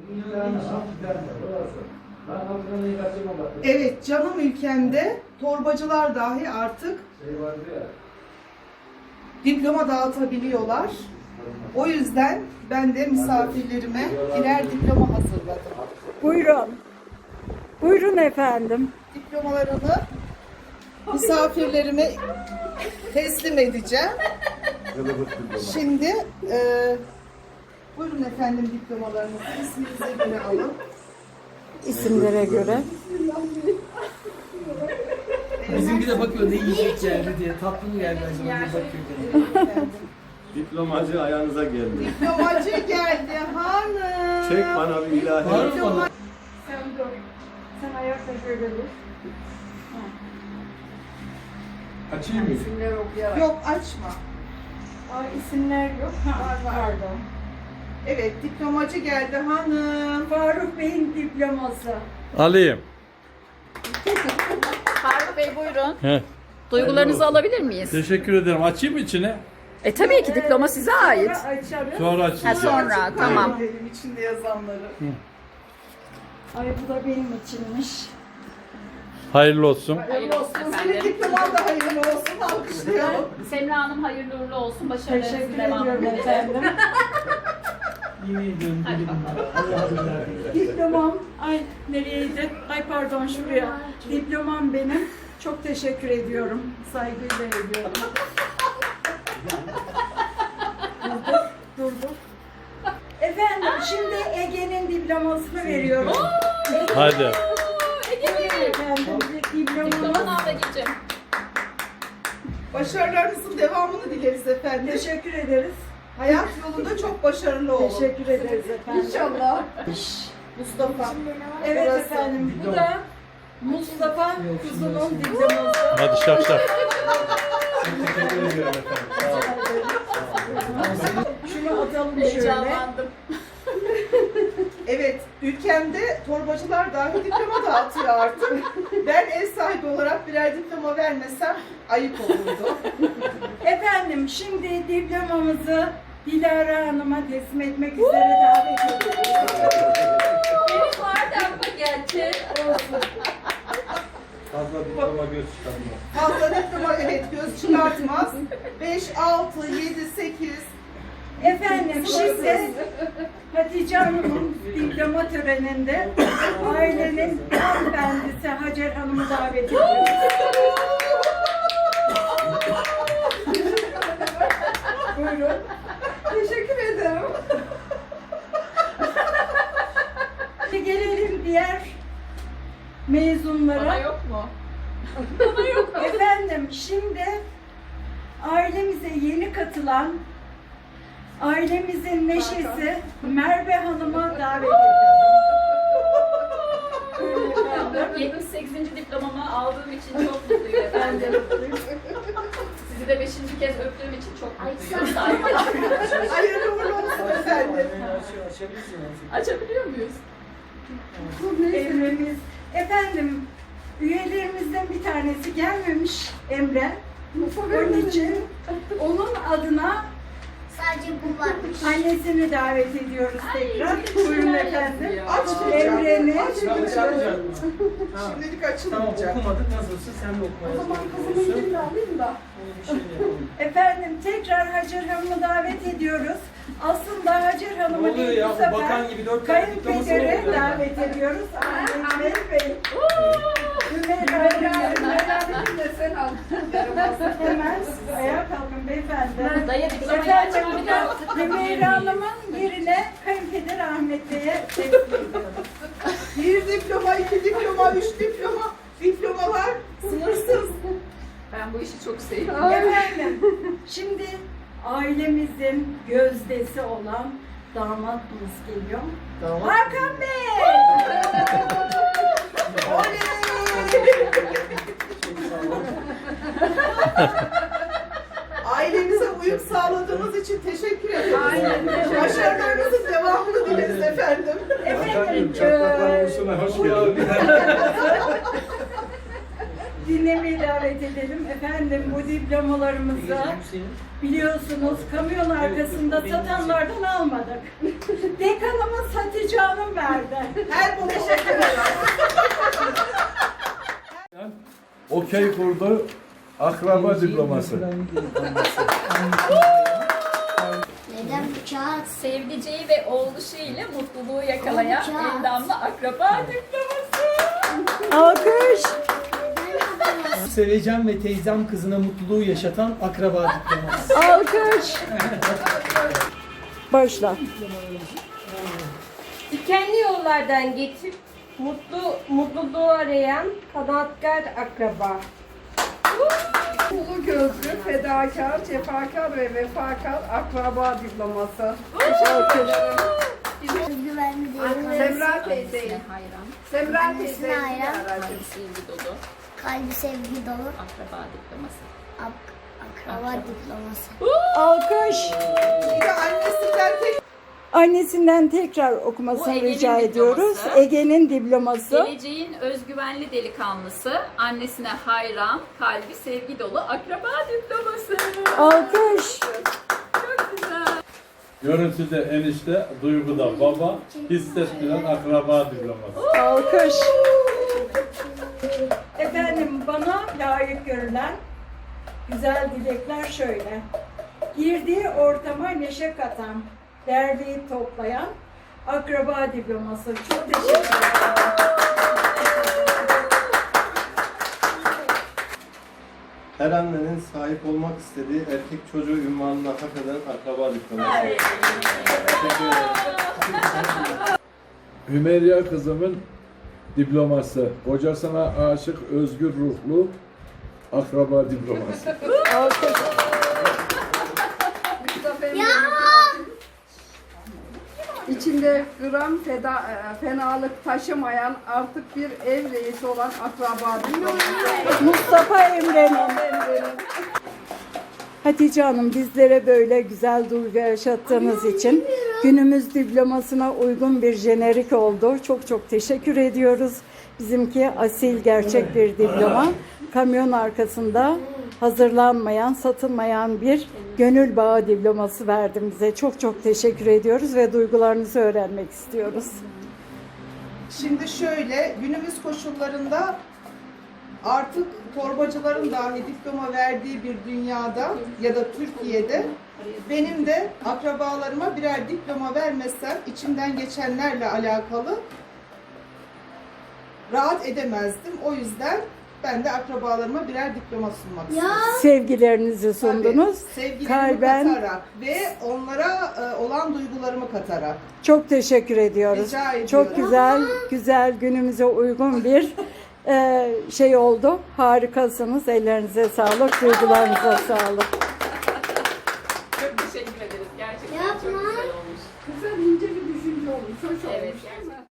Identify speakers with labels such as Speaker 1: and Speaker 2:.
Speaker 1: Evet, canım ülkemde torbacılar dahi artık diploma dağıtabiliyorlar. O yüzden ben de misafirlerime birer diploma hazırladım.
Speaker 2: Buyurun. Buyurun efendim.
Speaker 1: Diplomalarını misafirlerime teslim edeceğim. Şimdi buyurun efendim diplomalarınızı isminize göre alın.
Speaker 2: İsimlere göre.
Speaker 3: Bizimki de bakıyor ne yiyecek geldi diye. Tatlı mı geldi acaba diye bakıyor.
Speaker 1: Efendim.
Speaker 4: Diplomacı ayağınıza geldi.
Speaker 1: Diplomacı geldi hanım.
Speaker 4: Çek bana bir ilahi.
Speaker 3: Var mı bana?
Speaker 2: Sen dur. Sen ayakta şöyle dur.
Speaker 3: Açayım mı?
Speaker 2: İsimler okuyarak.
Speaker 1: Yok açma.
Speaker 2: Aa, isimler yok. Ha, pardon.
Speaker 1: Evet diplomacı geldi hanım.
Speaker 2: Faruk Bey'in diploması.
Speaker 5: Alayım.
Speaker 6: Faruk Bey buyurun.
Speaker 5: He.
Speaker 6: Duygularınızı alabilir miyiz?
Speaker 5: Teşekkür ederim. Açayım mı içine?
Speaker 6: Tabii ki diploma size ait.
Speaker 2: Sonra açarız.
Speaker 5: Sonra
Speaker 6: Ha,
Speaker 5: açacağım.
Speaker 6: sonra tamam.
Speaker 1: Benim içinde yazanları.
Speaker 2: Ay bu da benim içinmiş.
Speaker 5: Hayırlı olsun.
Speaker 1: Hayırlı olsun. Senin
Speaker 6: efendim.
Speaker 1: diploman da hayırlı olsun. Alkışlayalım.
Speaker 6: Semra Hanım hayırlı uğurlu olsun. Başarılarınızın
Speaker 2: Teşekkür
Speaker 6: devamını
Speaker 2: ediyorum
Speaker 6: dilerim.
Speaker 2: efendim.
Speaker 3: Yemin ediyorum dedim. Allah'a emanet.
Speaker 2: Diplomam, ay nereyeydi? Ay pardon şuraya. Diplomam benim. Çok teşekkür ediyorum. Saygıyla ediyorum. Dur. Efendim şimdi Ege'nin diplomasını veriyorum.
Speaker 5: Hadi.
Speaker 2: Efendim
Speaker 6: Diplomanı
Speaker 2: diplomamı
Speaker 6: ablacığım.
Speaker 1: Başarılarınızın devamını dileriz efendim.
Speaker 2: teşekkür ederiz.
Speaker 1: Hayat yolunda çok başarılı olun.
Speaker 2: Teşekkür ederiz efendim.
Speaker 1: İnşallah. Mustafa.
Speaker 2: Evet
Speaker 1: Burası.
Speaker 2: efendim bu da Mustafa Kuzu'nun diploması.
Speaker 5: Hadi şak şak.
Speaker 3: Teşekkür ediyorum efendim. Sağ olun.
Speaker 2: Şunu atalım şöyle.
Speaker 6: Heyecanlandım.
Speaker 1: Evet, ülkemde torbacılar dahi diploma dağıtıyor artık. Ben ev sahibi olarak birer diploma vermesem ayıp olurdu.
Speaker 2: Efendim şimdi diplomamızı Dilara Hanım'a teslim etmek üzere davet ediyoruz.
Speaker 6: Benim vardı ama gerçi.
Speaker 4: Fazla diploma göz çıkarma.
Speaker 1: Fazla diploma evet göz çıkartmaz. 5, 6, 7, 8.
Speaker 2: Efendim şimdi Hatice Hanım'ın diploma töreninde ailenin hanımefendisi Hacer Hanım'ı davet ediyoruz. Buyurun.
Speaker 1: Teşekkür ederim.
Speaker 2: Şimdi gelelim diğer mezunlara.
Speaker 6: Bana yok mu?
Speaker 2: Efendim şimdi ailemize yeni katılan ailemizin neşesi Merve Hanım'a davet ediyorum.
Speaker 6: 78. diplomamı aldığım için çok mutluyum efendim. Sizi de 5. kez öptüğüm için çok mutluyum. Saygılar.
Speaker 1: Hayırlı uğurlu olsun efendim.
Speaker 3: Açabilirsin.
Speaker 6: Açabiliyor muyuz?
Speaker 2: Emre'miz. Efendim üyelerimizden bir tanesi gelmemiş Emre. Onun için onun adına
Speaker 7: Sadece bu varmış.
Speaker 2: annesini davet ediyoruz tekrar.
Speaker 6: çok
Speaker 2: Buyurun
Speaker 6: güzel
Speaker 2: efendim.
Speaker 6: yazıyor.
Speaker 1: Açmayacağım.
Speaker 2: Emre'nin
Speaker 3: Ben açamayacak mısın?
Speaker 1: Şimdilik
Speaker 3: Tamam
Speaker 1: açılmayacak.
Speaker 3: okumadık nasılsa sen de okumaya çalışıyorsun.
Speaker 1: alayım da.
Speaker 3: Bir şey yapalım.
Speaker 2: efendim tekrar Hacer Hanım'ı davet ediyoruz. Aslında Hacer Hanım'ı
Speaker 3: Ne oluyor
Speaker 2: değil
Speaker 3: ya?
Speaker 2: bu
Speaker 3: Bu
Speaker 2: sefer
Speaker 3: bakan gibi 4 tane diploması mı
Speaker 2: kayınpedere
Speaker 3: oluyor?
Speaker 2: davet ediyoruz. Ahmet Bey. Hemen ayağa kalkın beyefendi.
Speaker 6: Dayı diplomayı
Speaker 2: Efendim
Speaker 6: açabiliyor musun?
Speaker 2: Hümeyra Hanım'ın yerine kayınpeder Ahmet Bey'e teslim ediyoruz.
Speaker 1: Bir diploma, 2 diploma, 3 diploma. Diplomalar sınırsız.
Speaker 6: Ben bu işi çok seviyorum.
Speaker 2: Efendim şimdi ailemizin gözdesi olan damatımız geliyor. Hakan Bey!
Speaker 1: Oley! Ailemize uyum sağladığınız için teşekkür ederim.
Speaker 2: Aynen.
Speaker 1: Başarılarınızın devamını dileriz efendim.
Speaker 2: Efendim
Speaker 4: Çatlaklar ulusuna hoş geldin.
Speaker 2: dinlemeyi davet edelim. Efendim bu diplomalarımızı biliyorsunuz kamyon arkasında satanlardan almadık. Dekanımız Hatice Hanım verdi. herhalde.
Speaker 1: Her bu teşekkür ederim.
Speaker 8: Okey kurdu. Akraba diploması.
Speaker 7: Neden bıçağı?
Speaker 6: Sevdiceği ve oğluşu ile mutluluğu yakalayan
Speaker 7: Olacak.
Speaker 6: endamlı akraba diploması.
Speaker 2: Alkış.
Speaker 3: Sevecen ve teyzem kızına mutluluğu yaşatan akraba diploması.
Speaker 2: Alkış. Başla.
Speaker 9: Dikenli yollardan geçip mutluluğu arayan kanaatkar akraba.
Speaker 10: Ulu gözlü, fedakar, cefakar ve vefakar akraba diploması.
Speaker 7: Özgüvenli değil.
Speaker 10: Semra teyzeyi.
Speaker 6: Hayran,
Speaker 10: Semra
Speaker 7: Annesine
Speaker 10: teyzeyi
Speaker 7: hayran.
Speaker 6: kalbi sevgi dolu
Speaker 7: Kalbi sevgi dolu.
Speaker 6: akraba diploması.
Speaker 7: Akraba diploması.
Speaker 2: Alkış.
Speaker 1: Şimdi annesinden tek
Speaker 2: Annesinden tekrar okumasını
Speaker 6: Bu Ege'nin
Speaker 2: rica ediyoruz.
Speaker 6: diploması.
Speaker 2: Ege'nin diploması.
Speaker 6: Geleceğin özgüvenli delikanlısı, annesine hayran, kalbi sevgi dolu akraba diploması.
Speaker 2: Alkış.
Speaker 6: Çok güzel.
Speaker 5: Görüntüde enişte, duyguda baba, hissettiren akraba diploması.
Speaker 2: Alkış. Efendim bana layık görülen güzel dilekler şöyle. Girdiği ortama neşe katan, derleyip toplayan akraba diploması. Çok teşekkür ederim.
Speaker 4: Her annenin sahip olmak istediği erkek çocuğu ünvanını hak eden akraba diploması. Teşekkür ederim.
Speaker 8: Hümeyra kızımın diploması. Kocasına aşık özgür ruhlu akraba diploması.
Speaker 2: Alkış.
Speaker 10: İçinde gram fenalık taşımayan artık bir ev reisi olan akraba diploması.
Speaker 2: Mustafa Emre'nin. Hatice Hanım bizlere böyle güzel duygu yaşattığınız için günümüz diplomasına uygun bir jenerik oldu. Çok çok teşekkür ediyoruz. Bizimki asil gerçek bir diploma. Kamyon arkasında hazırlanmayan, satılmayan bir gönül bağı diploması verdim bize. Çok çok teşekkür ediyoruz ve duygularınızı öğrenmek istiyoruz.
Speaker 1: Şimdi şöyle, günümüz koşullarında artık torbacıların dahi diploma verdiği bir dünyada ya da Türkiye'de benim de akrabalarıma birer diploma vermezsem içimden geçenlerle alakalı rahat edemezdim. O yüzden ben de akrabalarıma birer diploma sunmak istedim.
Speaker 2: Sevgilerinizi sundunuz.
Speaker 1: Tabii, sevgilerimi
Speaker 2: Kalben
Speaker 1: katarak ve onlara olan duygularımı katarak.
Speaker 2: çok teşekkür ediyoruz.
Speaker 1: Rica ediyorum.
Speaker 2: Çok güzel günümüze uygun bir şey oldu. Harikasınız. Ellerinize sağlık, duygularınıza sağlık.
Speaker 6: Çok teşekkür ederiz. Gerçekten çok
Speaker 7: Yapma.
Speaker 6: güzel olmuş.
Speaker 10: Güzel ince bir düşünce olmuş. Hoş olmuş.
Speaker 6: Evet, gerçekten.